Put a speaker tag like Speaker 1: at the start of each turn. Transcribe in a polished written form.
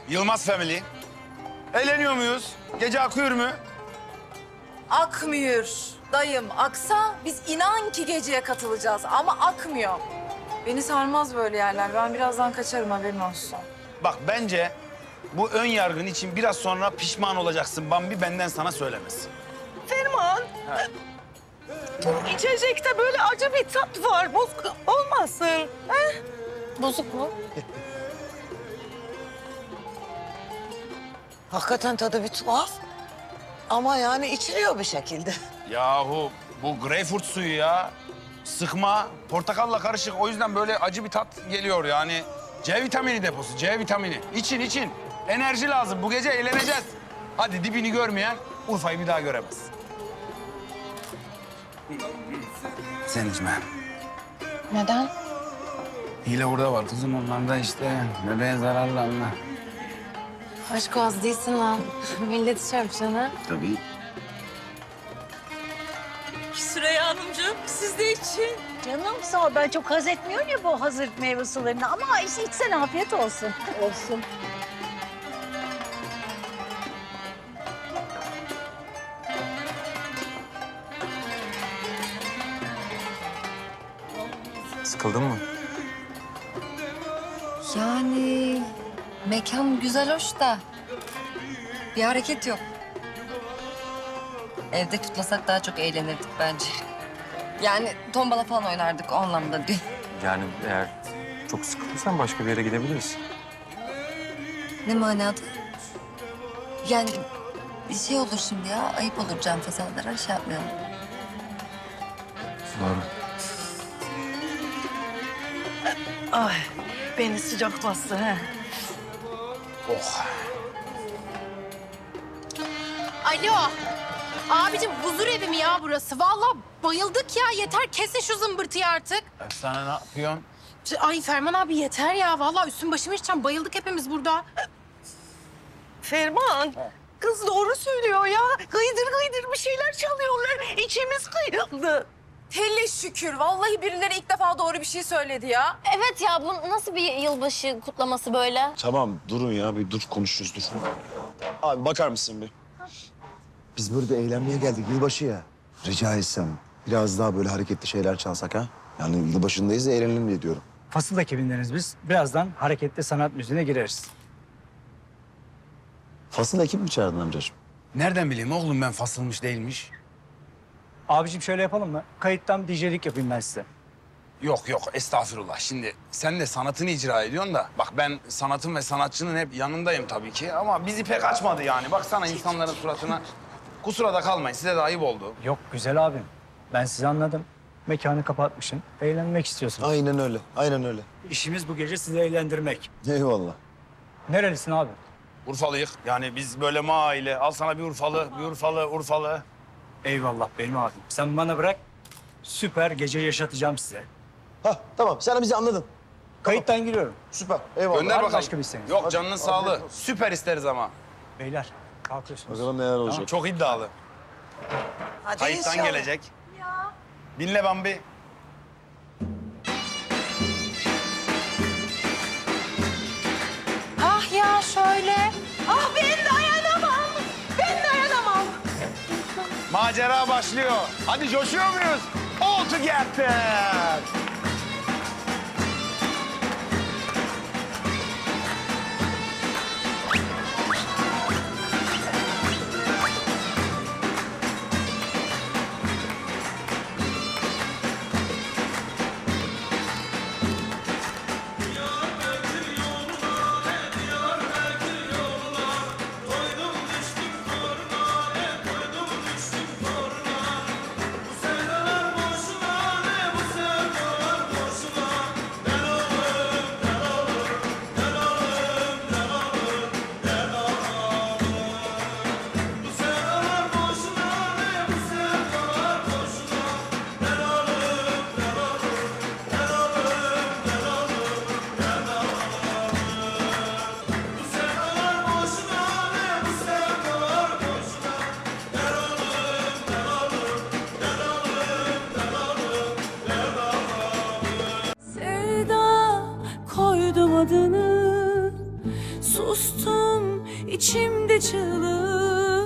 Speaker 1: Yılmaz Family. Eğleniyor muyuz? Gece akıyor mu?
Speaker 2: Akmıyor. Dayım aksa biz inan ki geceye katılacağız ama akmıyor. Beni sarmaz böyle yerler. Ben birazdan kaçarım, haberin olsun.
Speaker 1: Bak bence bu ön yargın için biraz sonra pişman olacaksın Bambi, benden sana söylemesi.
Speaker 3: Ferman. Bu içecekte böyle acı bir tat var. Bozuk olmasın. He?
Speaker 2: Bozuk mu?
Speaker 3: Hakikaten tadı bir tuhaf. Ama yani içiliyor bir şekilde.
Speaker 1: Yahu bu greyfurt suyu ya. Sıkma, portakalla karışık. O yüzden böyle acı bir tat geliyor yani. C vitamini deposu, C vitamini. İçin, için. Enerji lazım. Bu gece eğleneceğiz. Hadi dibini görmeyen Urfa'yı bir daha göremez. Sen içme.
Speaker 2: Neden?
Speaker 1: Hile orada var kızım. Onlar da işte bebeğe zararlı anla.
Speaker 2: Aşk az değilsin lan. Millet çarpacağına.
Speaker 1: Tabii.
Speaker 3: Süreyya Hanımcığım siz de için.
Speaker 4: Canım sağ ol. Ben çok haz etmiyorum ya bu hazır meyve sularını. Ama içsene, afiyet olsun. Olsun.
Speaker 5: Sıkıldın mı?
Speaker 2: Yani mekan güzel, hoş da bir hareket yok. Evde tutmasak daha çok eğlenirdik bence. Yani tombala falan oynardık, o anlamda değil.
Speaker 5: Yani eğer çok sıkıldıysan başka bir yere gidebiliriz.
Speaker 2: Ne manada? Yani bir şey olur şimdi ya, ayıp olur can fesalara, şey yapmayalım.
Speaker 5: Doğru.
Speaker 3: Ay beni sıcak bastı he.
Speaker 1: Oh.
Speaker 6: Alo. Abicim huzur evi mi ya burası? Vallahi bayıldık ya. Yeter kesin şu zımbırtıyı artık.
Speaker 1: Sana ne yapıyorsun?
Speaker 6: Ay Ferman abi yeter ya. Vallahi üstüm başımı içeceğim. Bayıldık hepimiz burada.
Speaker 3: Ferman. Kız doğru söylüyor ya. Gıydır gıydır bir şeyler çalıyorlar. İçimiz kıyıldı.
Speaker 2: Hele şükür. Vallahi birileri ilk defa doğru bir şey söyledi ya.
Speaker 7: Evet ya, bu nasıl bir yılbaşı kutlaması böyle?
Speaker 8: Tamam durun ya bir dur konuşuruz dur. Abi bakar mısın bir? Biz burada eğlenmeye geldik yılbaşı ya. Rica etsem biraz daha böyle hareketli şeyler çalsak ha? Yani yılbaşındayız da eğlenelim diye diyorum.
Speaker 9: Fasıl ekibindeniz biz. Birazdan hareketli sanat müziğine gireriz.
Speaker 8: Fasıl ekip mi çağırdın amcacığım?
Speaker 1: Nereden bileyim oğlum ben fasılmış değilmiş?
Speaker 9: Abicim şöyle yapalım mı? Kayıttan DJ'lik yapayım ben size.
Speaker 1: Yok yok estağfurullah. Şimdi sen de sanatını icra ediyorsun da bak ben sanatın ve sanatçının hep yanındayım tabii ki ama bizi pek açmadı yani. Baksana insanların suratına. Kusura da kalmayın size de ayıp oldu.
Speaker 9: Yok güzel abim. Ben sizi anladım. Mekanı kapatmışım. Eğlenmek istiyorsunuz.
Speaker 8: Aynen öyle, aynen öyle.
Speaker 9: İşimiz bu gece sizi eğlendirmek.
Speaker 8: Eyvallah.
Speaker 9: Nerelisin abi?
Speaker 1: Urfalıyık. Yani biz böyle aile. Al sana bir Urfalı, bir Urfalı, Urfalı.
Speaker 9: Eyvallah benim abim. Sen bana bırak. Süper gece yaşatacağım size.
Speaker 8: Hah tamam sen bizi anladın.
Speaker 9: Kayıttan giriyorum.
Speaker 8: Süper eyvallah.
Speaker 1: Gönder
Speaker 9: var mı
Speaker 1: bakalım.
Speaker 9: başka bir isteğiniz?
Speaker 1: Yok canının sağlığı. Süper isteriz ama.
Speaker 9: Beyler kalkıyorsunuz.
Speaker 8: Bakalım neler olacak.
Speaker 1: Çok iddialı.
Speaker 3: Hadi
Speaker 1: Kayıttan
Speaker 3: inşallah.
Speaker 1: gelecek. Dinle Bambi.
Speaker 6: Ah ya şöyle.
Speaker 3: Ah ben dayanamam. Ben dayanamam.
Speaker 1: Macera başlıyor. Hadi coşuyor muyuz? All together.
Speaker 10: Sevda koydum adını, sustum içimde çığlık.